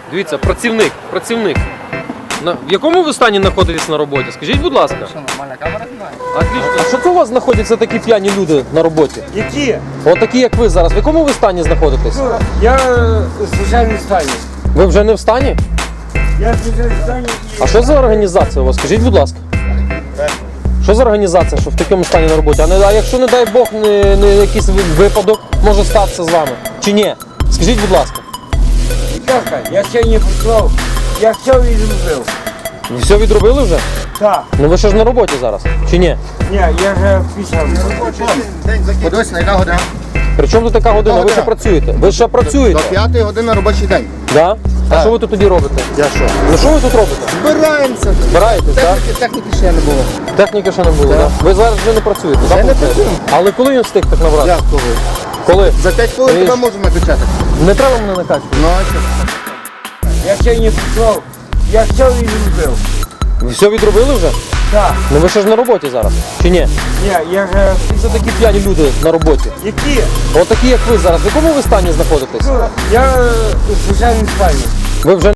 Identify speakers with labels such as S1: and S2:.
S1: Дивіться, працівник. В якому ви стані знаходитесь на роботі? Скажіть, будь ласка.
S2: Що, нормальна камера знімає?
S1: Отлично. А що це у вас знаходяться такі п'яні люди на роботі?
S3: Які?
S1: От такі, як ви зараз. В якому ви стані знаходитесь?
S3: Я в звичайному стані.
S1: Ви вже не в стані?
S3: Я в звичайному стані і...
S1: А що за організація у вас? Скажіть, будь ласка. Що за організація, що в такому стані на роботі? А якщо, не дай Бог, не якийсь випадок може статися з вами? Чи ні? Скажіть, будь ласка.
S3: Дівчатка, я ще не поклав. Я все відробив.
S1: Ви все відробили вже?
S3: Так.
S1: Ну ви ще ж на роботі зараз, чи ні?
S3: Ні, я вже пішов.
S2: Подивись, на яка година?
S1: При чому тут така година? Ви ще працюєте? Ви ще
S2: До
S1: працюєте?
S2: 5 години робочий день.
S1: Да? А що ви тут тоді робите?
S2: Я що?
S1: Ну що ви тут робите?
S2: Збираємося.
S1: Збираєтесь, так?
S2: Техніки ще не було.
S1: Техніки ще не було, так? Ви зараз вже не працюєте, так?
S2: не
S1: виходить?
S2: працюємо.
S1: Але коли він встиг так набрати?
S2: Як коли?
S1: Коли?
S2: За 5 хвилин
S1: Видиш?
S2: тебе можемо накачати.
S1: Не треба мене накачувати.
S2: Ну, а що?
S3: Я ще не поклав. Я все відробив.
S1: Ви все відробили вже?
S3: Так.
S1: Ну ви ще ж на роботі зараз, чи ні?
S3: Ні, я вже...
S1: Це такі п'яні люди на роботі.
S3: Які?
S1: От такі, як ви зараз. В якому ви стані знаходитесь?
S3: Я в звичайному стані.
S1: Ви вже